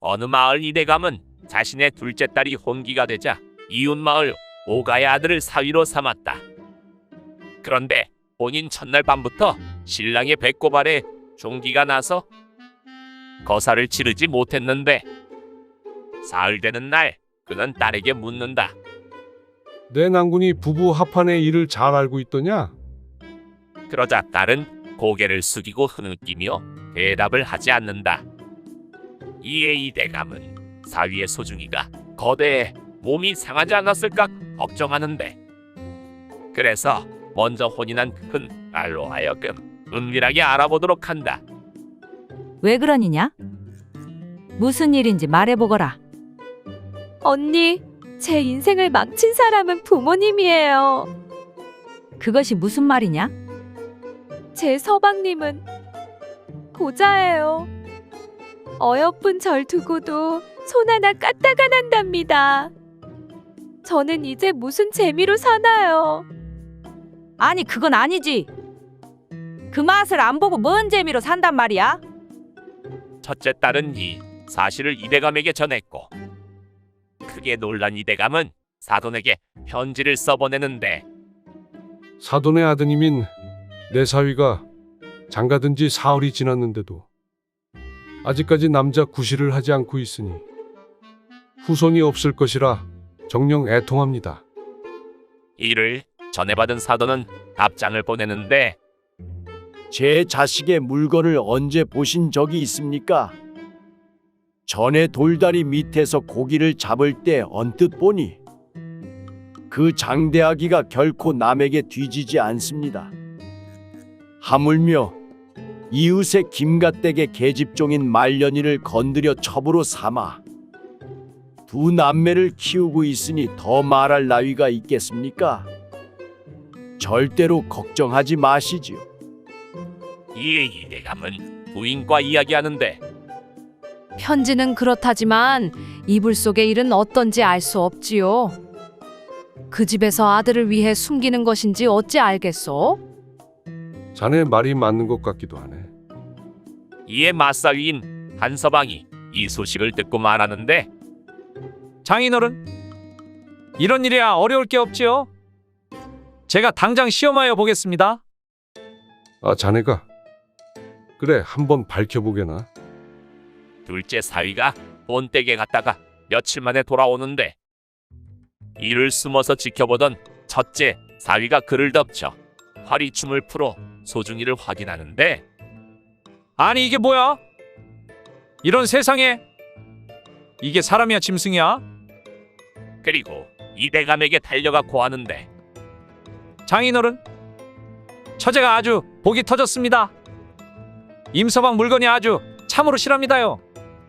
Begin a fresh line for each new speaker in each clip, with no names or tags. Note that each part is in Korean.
어느 마을 이대감은 자신의 둘째 딸이 혼기가 되자 이웃 마을 오가의 아들을 사위로 삼았다. 그런데 본인 첫날 밤부터 신랑의 배꼽 아래 종기가 나서 거사를 치르지 못했는데 사흘 되는 날 그는 딸에게 묻는다.
내 난군이 부부 합한의 일을 잘 알고 있더냐?
그러자 딸은 고개를 숙이고 흐느끼며 대답을 하지 않는다. 이에 이대감은 사위의 소중이가 거대해 몸이 상하지 않았을까 걱정하는데, 그래서 먼저 혼인한 큰 딸로 하여금 은밀하게 알아보도록 한다.
왜 그러니냐? 무슨 일인지 말해보거라.
언니, 제 인생을 망친 사람은 부모님이에요.
그것이 무슨 말이냐?
제 서방님은 고자예요. 어여쁜 절 두고도 손 하나 까딱 안 한답니다. 저는 이제 무슨 재미로 사나요?
아니 그건 아니지. 그 맛을 안 보고 뭔 재미로 산단 말이야?
첫째 딸은 이 사실을 이대감에게 전했고, 크게 놀란 이대감은 사돈에게 편지를 써보내는데,
사돈의 아드님인 내 사위가 장가든 지 사흘이 지났는데도 아직까지 남자 구실을 하지 않고 있으니 후손이 없을 것이라 정녕 애통합니다.
이를 전해받은 사돈은 답장을 보내는데,
제 자식의 물건을 언제 보신 적이 있습니까? 전에 돌다리 밑에서 고기를 잡을 때 언뜻 보니 그 장대아기가 결코 남에게 뒤지지 않습니다. 하물며 이웃의 김가댁의 계집종인 말년이를 건드려 첩으로 삼아 두 남매를 키우고 있으니 더 말할 나위가 있겠습니까? 절대로 걱정하지 마시지요.
이에 이대감은 부인과 이야기하는데,
편지는 그렇다지만 이불 속의 일은 어떤지 알 수 없지요. 그 집에서 아들을 위해 숨기는 것인지 어찌 알겠소?
자네 말이 맞는 것 같기도 하네.
이에 맞사위인 한서방이 이 소식을 듣고 말하는데,
장인어른, 이런 일이야 어려울 게 없지요. 제가 당장 시험하여 보겠습니다.
아, 자네가? 그래, 한번 밝혀보게나.
둘째 사위가 본댁에 갔다가 며칠 만에 돌아오는데, 이를 숨어서 지켜보던 첫째 사위가 그를 덮쳐 화리춤을 풀어 소중이를 확인하는데,
아니 이게 뭐야? 이런 세상에 이게 사람이야 짐승이야?
그리고 이대감에게 달려가 고하는데,
장인어른, 처제가 아주 복이 터졌습니다. 임서방 물건이 아주 참으로 실합니다요.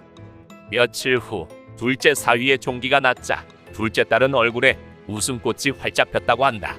며칠 후 둘째 사위의 종기가 났자 둘째 딸은 얼굴에 웃음꽃이 활짝 폈다고 한다.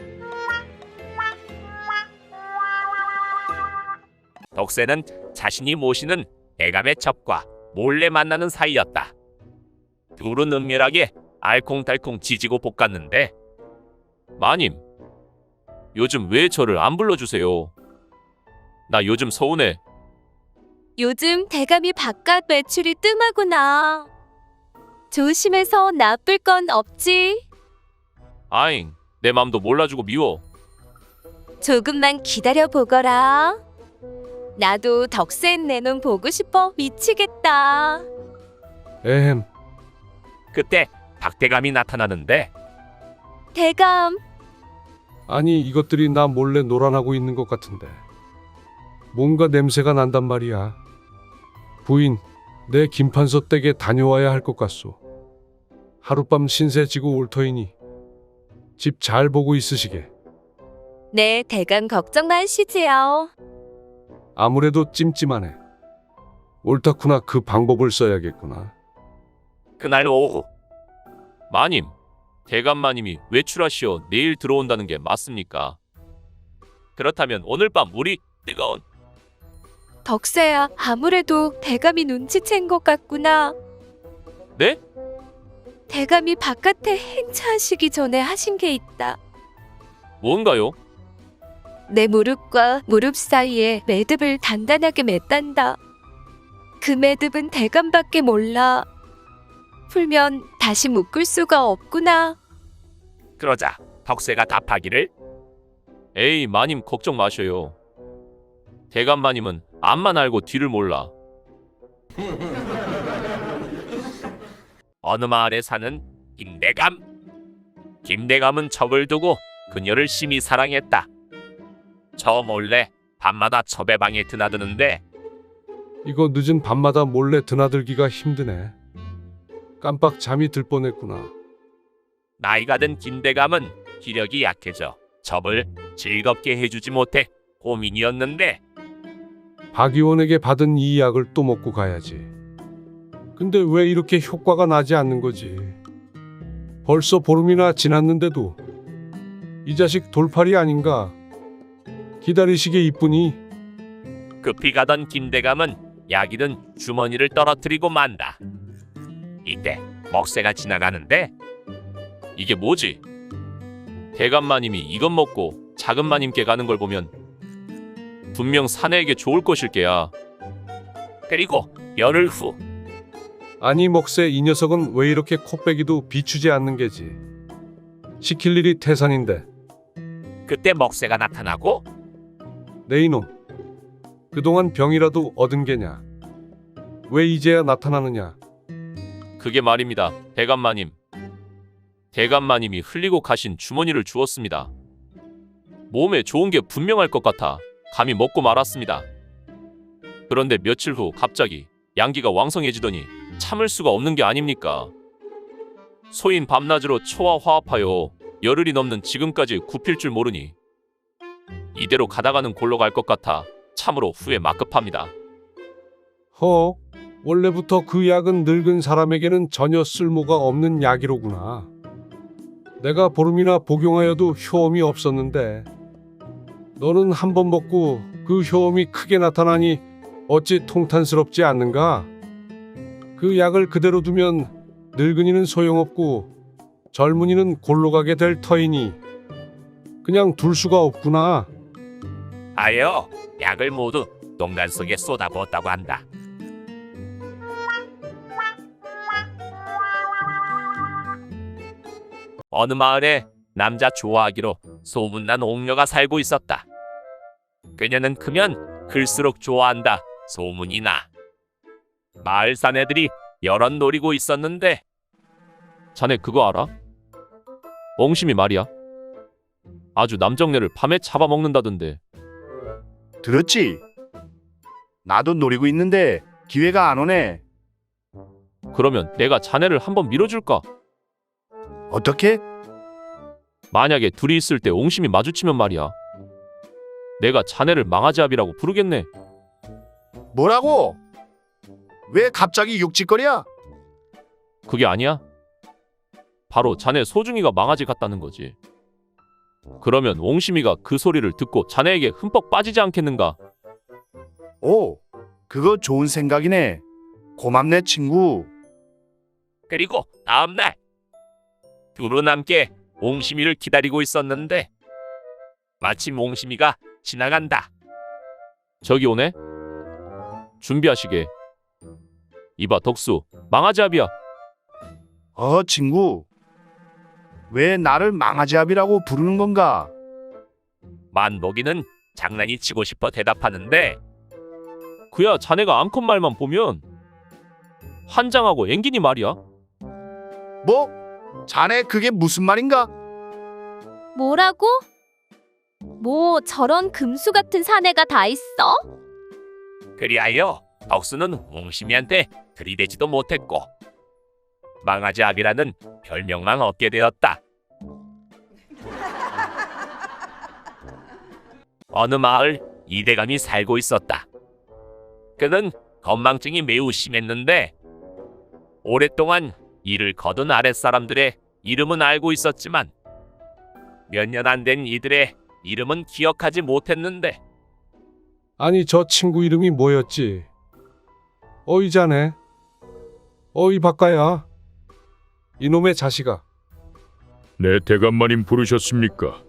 덕세는 자신이 모시는 대감의 첩과 몰래 만나는 사이였다. 둘은 은밀하게 알콩달콩 지지고 볶았는데, 마님, 요즘 왜 저를 안 불러주세요? 나 요즘 서운해.
요즘 대감이 바깥 매출이 뜸하구나. 조심해서 나쁠 건 없지.
아잉, 내 맘도 몰라주고 미워.
조금만 기다려 보거라. 나도 덕센 내 눈 보고 싶어 미치겠다.
에헴,
그때 박대감이 나타나는데,
대감,
아니 이것들이 나 몰래 노란하고 있는 것 같은데 뭔가 냄새가 난단 말이야. 부인, 내 김판서 댁에 다녀와야 할 것 같소. 하룻밤 신세 지고 올 터이니 집 잘 보고 있으시게.
네, 대감 걱정 마시지요.
아무래도 찜찜하네. 옳다구나. 그 방법을 써야겠구나.
그날 오후, 마님, 대감마님이 외출하시어 내일 들어온다는 게 맞습니까? 그렇다면 오늘 밤 우리 뜨거운...
덕세야, 아무래도 대감이 눈치챈 것 같구나.
네?
대감이 바깥에 행차하시기 전에 하신 게 있다.
뭔가요?
내 무릎과 무릎 사이에 매듭을 단단하게 맸단다. 그 매듭은 대감밖에 몰라. 풀면 다시 묶을 수가 없구나.
그러자 덕세가 답하기를
에이 마님 걱정 마셔요. 대감 마님은 앞만 알고 뒤를 몰라.
어느 마을에 사는 김대감. 김대감은 첩을 두고 그녀를 심히 사랑했다. 저 몰래 밤마다 첩의 방에 드나드는데
이거 늦은 밤마다 몰래 드나들기가 힘드네. 깜빡 잠이 들 뻔했구나.
나이가 든 김대감은 기력이 약해져 첩을 즐겁게 해주지 못해 고민이었는데
박 의원에게 받은 이 약을 또 먹고 가야지. 근데 왜 이렇게 효과가 나지 않는 거지? 벌써 보름이나 지났는데도 이 자식 돌팔이 아닌가? 기다리시게 이쁘니?
급히 가던 김대감은 약이 든 주머니를 떨어뜨리고 만다. 이때 먹새가 지나가는데
이게 뭐지? 대감 마님이 이것 먹고 작은 마님께 가는 걸 보면 분명 사내에게 좋을 것일 게야.
그리고 열흘 후
아니 먹새 이 녀석은 왜 이렇게 코빼기도 비추지 않는 게지? 시킬 일이 태산인데.
그때 먹새가 나타나고
내 이놈, 그동안 병이라도 얻은 게냐? 왜 이제야 나타나느냐?
그게 말입니다. 대감 마님. 대감 마님이 흘리고 가신 주머니를 주었습니다. 몸에 좋은 게 분명할 것 같아 감히 먹고 말았습니다. 그런데 며칠 후 갑자기 양기가 왕성해지더니 참을 수가 없는 게 아닙니까? 소인 밤낮으로 초와 화합하여 열흘이 넘는 지금까지 굽힐 줄 모르니 이대로 가다가는 골로 갈 것 같아 참으로 후회 막급합니다.
허, 원래부터 그 약은 늙은 사람에게는 전혀 쓸모가 없는 약이로구나. 내가 보름이나 복용하여도 효험이 없었는데 너는 한 번 먹고 그 효험이 크게 나타나니 어찌 통탄스럽지 않는가? 그 약을 그대로 두면 늙은이는 소용없고 젊은이는 골로 가게 될 터이니 그냥 둘 수가 없구나.
하여 약을 모두 농간 속에 쏟아부었다고 한다. 어느 마을에 남자 좋아하기로 소문난 옥녀가 살고 있었다. 그녀는 크면 클수록 좋아한다 소문이 나. 마을 사내들이 여럿 노리고 있었는데
자네 그거 알아? 엉심이 말이야. 아주 남정네를 밤에 잡아먹는다던데.
들었지? 나도 노리고 있는데 기회가 안 오네.
그러면 내가 자네를 한번 밀어줄까?
어떻게?
만약에 둘이 있을 때 옹심이 마주치면 말이야. 내가 자네를 망아지압이라고 부르겠네.
뭐라고? 왜 갑자기 육짓거리야?
그게 아니야? 바로 자네 소중이가 망아지 같다는 거지. 그러면 옹심이가 그 소리를 듣고 자네에게 흠뻑 빠지지 않겠는가?
오, 그거 좋은 생각이네. 고맙네 친구.
그리고 다음날 둘은 함께 옹심이를 기다리고 있었는데 마침 옹심이가 지나간다.
저기 오네? 준비하시게. 이봐 덕수, 망아지압이야.
친구. 왜 나를 망아지압이라고 부르는 건가?
만복이는 장난이 치고 싶어 대답하는데
그야 자네가 암컷 말만 보면 환장하고 앵기니 말이야.
뭐? 자네 그게 무슨 말인가?
뭐라고? 뭐 저런 금수 같은 사내가 다 있어?
그리하여 덕수는 옹심이한테 들이대지도 못했고 망아지압이라는 별명만 얻게 되었다. 어느 마을 이대감이 살고 있었다. 그는 건망증이 매우 심했는데 오랫동안 이를 거둔 아랫사람들의 이름은 알고 있었지만 몇 년 안 된 이들의 이름은 기억하지 못했는데
아니 저 친구 이름이 뭐였지? 어이 자네. 어이 박가야. 이놈의 자식아.
네, 대감마님 부르셨습니까?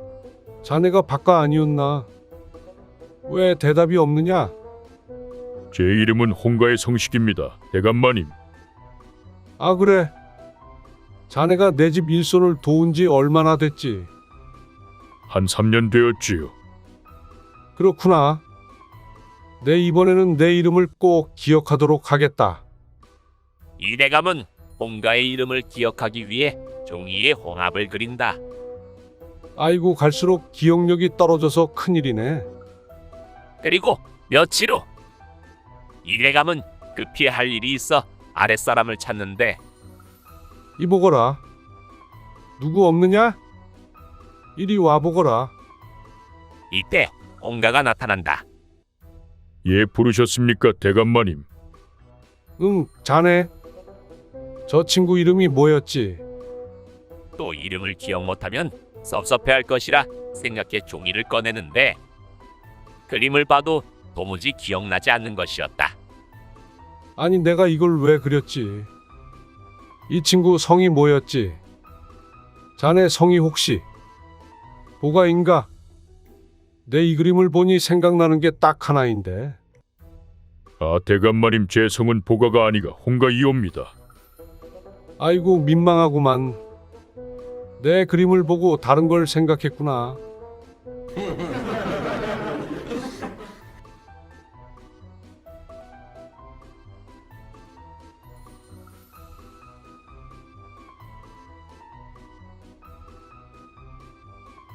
자네가 박가 아니었나? 왜 대답이 없느냐?
제 이름은 홍가의 성식입니다. 대감마님.
아 그래. 자네가 내 집 일손을 도운 지 얼마나 됐지?
한 3년 되었지요.
그렇구나. 내 이번에는 내 이름을 꼭 기억하도록 하겠다.
이 대감은 홍가의 이름을 기억하기 위해 종이에 홍합을 그린다.
아이고 갈수록 기억력이 떨어져서 큰일이네.
그리고 며칠 후 이 대감은 급히 할 일이 있어 아랫사람을 찾는데
이보거라. 누구 없느냐? 이리 와보거라.
이때 홍가가 나타난다.
예, 부르셨습니까, 대감마님?
응, 자네. 저 친구 이름이 뭐였지?
또 이름을 기억 못하면 섭섭해할 것이라 생각해 종이를 꺼내는데 그림을 봐도 도무지 기억나지 않는 것이었다.
아니 내가 이걸 왜 그렸지? 이 친구 성이 뭐였지? 자네 성이 혹시 보가인가? 내 이 그림을 보니 생각나는 게 딱 하나인데.
아, 대감마님, 제 성은 보가가 아니가 홍가이옵니다.
아이고 민망하구만. 내 그림을 보고 다른 걸 생각했구나.